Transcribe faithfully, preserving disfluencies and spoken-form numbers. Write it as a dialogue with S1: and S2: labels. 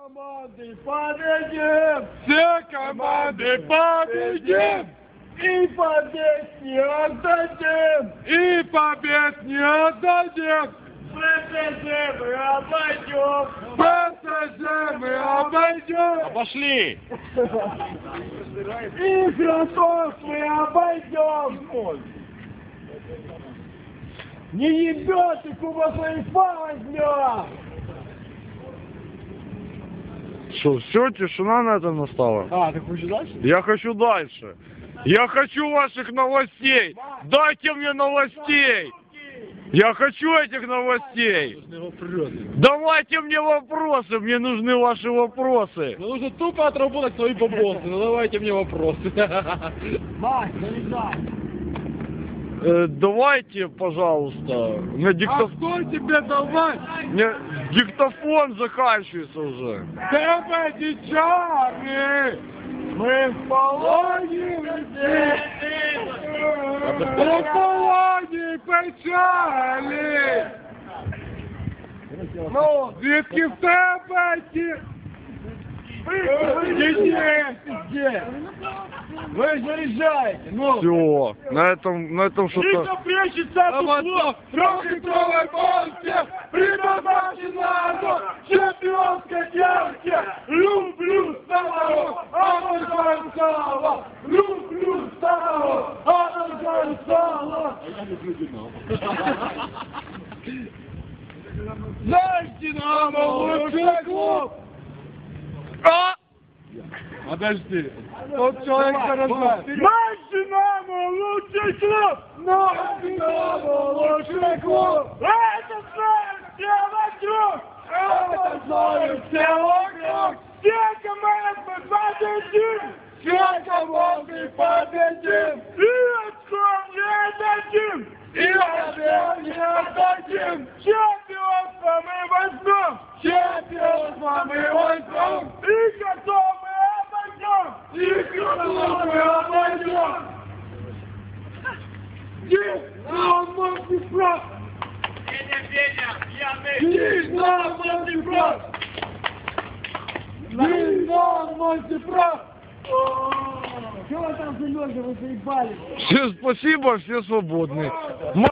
S1: Команды победим! Все команды победим! И побед не отдадим! И побед не отдадим! ПСЖ мы обойдем! ПСЖ мы обойдем!
S2: Пошли!
S1: И Красов мы обойдем! Не ебет и Куба Сайфа возьмем!
S2: Что, все, тишина на этом настала?
S1: А, ты хочешь дальше?
S2: Я хочу дальше. Я хочу ваших новостей. Дайте мне новостей. Я хочу этих новостей. Давайте мне вопросы. Мне нужны ваши вопросы.
S1: Ну нужно тупо отработать свои бабосы. Ну давайте мне вопросы. Мать, залезай.
S2: Э, давайте, пожалуйста. Мне диктоф...
S1: А кто тебе давай?
S2: Мне диктофон заканчивается уже.
S1: Тебе дичары! Мы в полоне здесь! В полоне печали! Ну, звідки в тебе ті... Где? Вы заряжаете, ну!
S2: Все, на этом, на этом что-то...
S1: Рита прячется от углов в трехлитровой банке! Предназначена в чемпионской ярке! Люблю старого, обожаю сало! Люблю старого, обожаю сало! Наш Динамо лучший клуб!
S2: А!
S1: Подожди. Тот человек хорошо. Наш Динамо лучший клуб! Наш Динамо лучший клуб! Это знают все вокруг! Это знают все вокруг! Все команды победим! Все команды победим! И очком не дадим! И очком не отдадим! Чемпионство мы возьмем! Чемпионство мы возьмем! И готовы! И кто мы обойдем! Динамо Днепр! Динамо Днепр! Динамо Днепр! Чего вы там за ноги, вы заебали?
S2: Все, спасибо, все свободны.